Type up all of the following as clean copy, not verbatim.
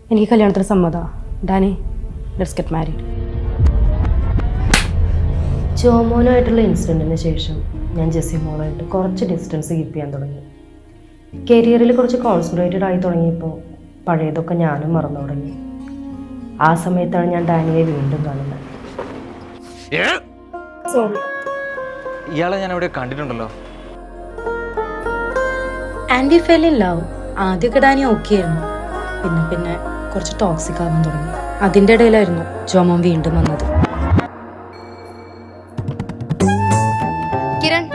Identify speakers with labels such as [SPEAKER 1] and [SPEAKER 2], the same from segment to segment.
[SPEAKER 1] എനിക്ക് കല്യാണത്തിന് സമ്മതമാണ്. Dani, let's get married. ജോമോനുമായിട്ടുള്ള ഇൻസിഡൻറ്റിന് ശേഷം ഞാൻ ജെസ്സി മോളായിട്ട് കുറച്ച് ഡിസ്റ്റൻസ് കീപ്പ് ചെയ്യാൻ തുടങ്ങി. കരിയറിൽ കുറച്ച് കോൺസെൻട്രേറ്റഡ് ആയി തുടങ്ങിയപ്പോൾ പഴയതൊക്കെ ഞാനും മറന്നു തുടങ്ങി. ആ സമയത്താണ് ഞാൻ ഡാനിയെ വീണ്ടും കാണുന്നത്.
[SPEAKER 2] ഇയാളെ ഞാൻ എവിടെ കണ്ടിട്ടുണ്ടല്ലോ.
[SPEAKER 1] And we fell in love. ആദ്യമൊക്കെ ഡാനി ഓക്കെ ആയിരുന്നു. പിന്നെ പിന്നെ കുറച്ച് ടോക്സിക് ആവാൻ തുടങ്ങി. അതിൻ്റെ ഇടയിലായിരുന്നു ജോമോൻ വീണ്ടും വന്നത്. കിരൺ,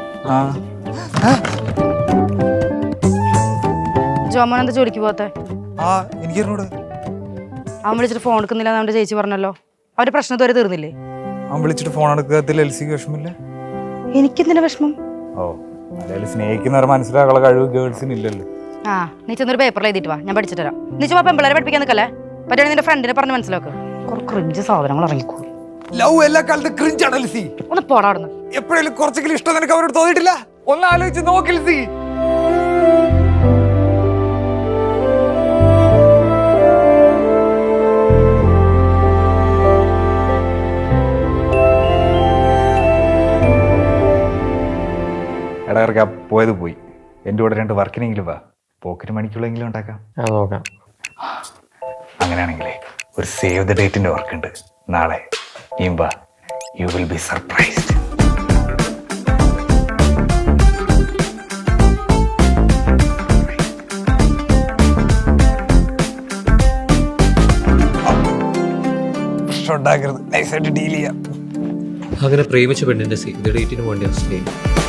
[SPEAKER 1] ജോമോൻ എന്താ ജോലിക്ക് പോകാത്തെ? അവൻ വിളിച്ചിട്ട് ഫോൺ എടുക്കുന്നില്ല നമ്മുടെ ചേച്ചി പറഞ്ഞല്ലോ. അവരുടെ പ്രശ്നം ഇതുവരെ തീർന്നില്ലേ?
[SPEAKER 3] അവൻ വിളിച്ചിട്ട് ഫോൺ എടുക്കാത്തിൽ എൽസിക്ക് വിഷമില്ല.
[SPEAKER 1] എനിക്കെന്തിനാ വിഷമം?
[SPEAKER 3] ഓ, അതായത് സ്നേഹിക്കുന്നവർ മനസ്സിലാക്കാനുള്ള കഴിവ് ഗേൾസിന് ഇല്ലല്ലോ.
[SPEAKER 1] ആ, നീ ചെന്നൊരു പേപ്പറിൽ എഴുതിയിട്ട് വാ, ഞാൻ പഠിച്ചിട്ട് തരാം. നീ ചുമ്മാ പെമ്പിള്ളേരെ പഠിപ്പിക്കാൻ നിൽക്കല്ലേ. പറ്റുകയാണെങ്കിൽ നിന്റെ ഫ്രണ്ടിനെ പറഞ്ഞ് മനസ്സിലാക്കുക. കുറച്ച് ക്രിഞ്ച് സാധനങ്ങൾ ഇറങ്ങിക്കോളൂ.
[SPEAKER 3] ലവ് എല്ലാ കാലത്തും ക്രിഞ്ച് ആണ് എൽസി.
[SPEAKER 1] ഒന്ന് പോടാ അവിടുന്ന്.
[SPEAKER 3] എപ്പോഴെങ്കിലും കുറച്ചെങ്കിലും ഇഷ്ടം നിനക്ക് അവരോട് തോന്നിയിട്ടില്ല? ഒന്ന് ആലോചിച്ച് നോക്ക് എൽസി. ഇടയിറക്കാ പോയത് പോയി. എൻ്റെ കൂടെ 2 വർക്കിനെങ്കിലും വാ. പോക്കറ്റ് മണിക്കുള്ളെങ്കിലും ഉണ്ടാക്കാം.
[SPEAKER 2] നോക്കാം.
[SPEAKER 3] അങ്ങനെയാണെങ്കിലേ ഒരു സേവ് ദ ഡേറ്റിന്റെ വർക്ക് ഉണ്ട് നാളെ. നീയും വാ, യു വിൽ ബി സർപ്രൈസ്ഡ്. ഉണ്ടാക്കരുത്, നൈസായിട്ട് ഡീൽ ചെയ്യാം.
[SPEAKER 4] അങ്ങനെ പ്രേമിച്ച പെണ്ണിന്റെ സേവ് ദ ഡേറ്റിന് വേണ്ടി സ്നേഹിക്കും.